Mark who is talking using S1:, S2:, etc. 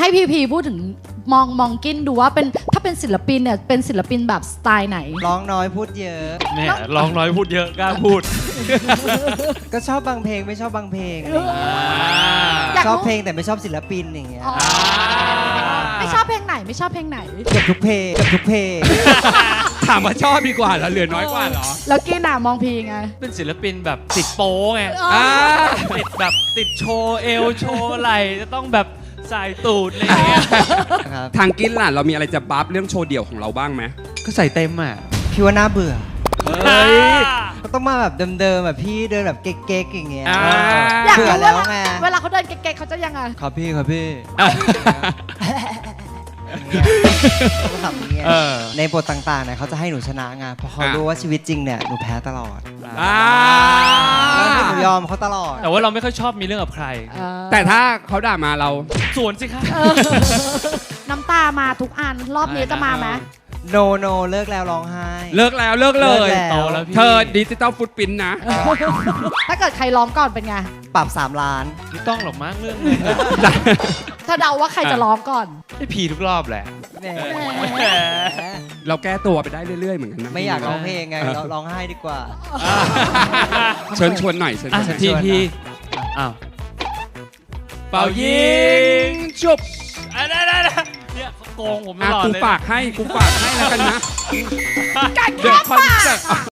S1: ให้พีพูดถึงมองกินดูว่าเป็นถ้าเป็นศิลปินเนี่ยเป็นศิลปินแบบสไตล์ไหน
S2: ร้องน้อยพูดเยอะ
S3: แม่ร้องน้อยพูดเยอะกล้าพูด
S2: ก็ชอบบางเพลงไม่ชอบบางเพลง
S1: อยาก
S2: ชอบ
S1: รู้
S2: เพลงแต่ไม่ชอบศิลปินอย่างเงี้ย
S1: อ๋อไม่ชอบเพลงไหนไม่ชอบเพลงไหน
S2: เกือบทุกเพลงเกือบทุกเพลง
S4: ถามว่าชอบดีกว่าเหรอเหลือน้อยกว่าเหรอ
S1: แล้วกินอ่ะมองพีไง
S3: เป็นศิลปินแบบติดโป้ไง
S4: อ่า
S3: ติดแบบติดโชว์เอวโชว์ไหล่จะต้องแบบใส่ตูดอะไรอย่างเงี้ย
S2: ครับ
S4: ทางกินล่ะเรามีอะไรจะบัฟเรื่องโชว์เดี่ยวของเราบ้างไหม
S5: ก็ใส่เต็มอ่ะ
S2: พี่ว่าน่าเบื่อ
S4: เฮ้ย
S2: ก็ต้องมาแบบเดิมๆแบบพี่เดินแบบเก๊กๆอย่างเงี้ย
S4: อ่า
S1: อยาก
S2: เบื่อ
S1: รู้
S2: แล้วไง
S1: เวลาเขาเดินเก๊กๆเขาจะยังไง
S5: ครับพี่ครับพี่
S2: ก็ทำอย่างเงี้ย
S3: เออ
S2: ในบทต่างๆเนี่ยเขาจะให้หนูชนะไงเพราะเขารู้ว่าชีวิตจริงเนี่ยหนูแพ้ตลอด
S4: อ่า
S2: แล้วให้หนูยอมเขาตลอด
S3: แต่ว่าเราไม่ค่อยชอบมีเรื่องกับใคร
S4: แต่ถ้าเขาด่ามาเรา
S3: สวนสิคะ
S1: น้ำตามาทุกอันรอบนี้จะมาไหม
S2: โนเลิกแล้วร้องไห้
S4: เลิกแล้วเลิกเลย
S2: เลิกแล้ว
S3: โตแล้วพี่
S4: เธอดิจิตอลฟุตปรินท์นะ
S1: ถ้าเกิดใครร้องก่อนเป็นไง
S2: ปรับ3 ล้าน
S3: ไม่ต้องหรอกมั้งเรื่องนี้
S1: ถ้าเดาว่าใครจะร้องก่อน
S3: ไอ้พีทุกรอบแหละ
S2: แหม
S3: แหม
S4: เราแก้ตัวไปได้เรื่อยๆเหมือนกันนะ
S2: ไม่อยากร้องเพลงไงเราร้องไห้ดีกว่า
S4: เชิญชวนหน่อยเชิญ
S3: อ่ะ
S4: ชวน
S3: พี่อ้าว
S4: เป่ายิงจุบ
S3: ได้เนี่ยเขาโกงผมต
S4: อ่ะ
S3: ลอด
S4: กู
S3: เลย
S4: ฝากให้แล้วกันนะเดี๋ยวคอนเสิร์ต